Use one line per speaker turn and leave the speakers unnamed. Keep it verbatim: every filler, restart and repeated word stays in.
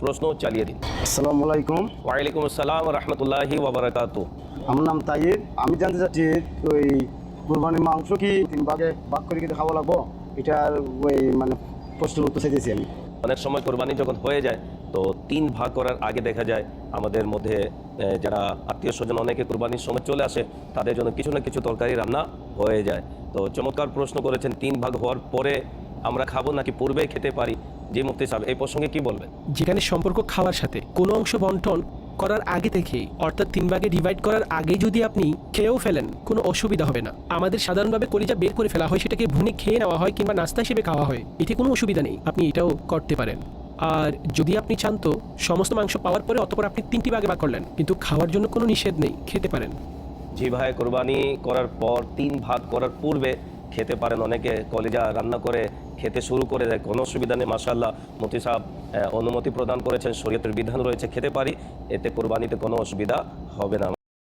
প্রশ্ন চালিয়ে দিন।
আসসালামু আলাইকুম।
ওয়ালাইকুম আসসালাম রহমতুল্লাহি ওয়া বারাকাতুহু।
আমার নাম তাইব। আমি জানতে চাচ্ছি ওই কুরবানির মাংস কি তিন ভাগে ভাগ করে কিন্তু খাওয়া লাগবো, এটার ওই মানে প্রশ্নের উত্তর চাইতেছি আমি।
অনেক সময় কোরবানি যখন হয়ে যায় তো তিন ভাগ করার আগে দেখা যায় আমাদের মধ্যে এ, যারা আত্মীয় স্বজন অনেকে কোরবানির সময় চলে আসে, তাদের জন্য কিছু না কিছু তরকারি রান্না হয়ে যায়। তো চমৎকার প্রশ্ন করেছেন, তিন ভাগ হওয়ার পরে আমরা খাবো নাকি পূর্বে খেতে পারি? জি মুফতি সাহেব, এই প্রসঙ্গে কি বলবেন?
যেখানে সম্পর্ক খাওয়ার সাথে কোনো অংশ বন্টন করার আগে থেকেই, অর্থাৎ তিন ভাগে ডিভাইড করার আগেই যদি আপনি খেয়েও ফেলেন কোনো অসুবিধা হবে না। আমাদের সাধারণভাবে কলিজা বের করে ফেলা হয়, সেটাকে ভুনে খেয়ে নেওয়া হয় কিংবা নাস্তা হিসেবে খাওয়া হয়, এতে কোনো অসুবিধা নেই, আপনি এটাও করতে পারেন। আর যদি আপনি চান তো সমস্ত মাংস পাওয়ার পরে অতপর আপনি তিনটি ভাগে ভাগ করলেন, কিন্তু খাওয়ার জন্য কোনো নিষেধ নেই, খেতে পারেন।
জি ভাই, কোরবানি করার পর তিন ভাগ করার পূর্বে খেতে পারেন। অনেকে কলিজা রান্না করে খেতে শুরু করে দেয়, কোনো অসুবিধা নেই। মাশাআল্লাহ, মুফতি সাহেব অনুমতি প্রদান করেছেন, শরীয়তের বিধান রয়েছে, খেতে পারি, এতে কোরবানিতে কোনো অসুবিধা হবে না।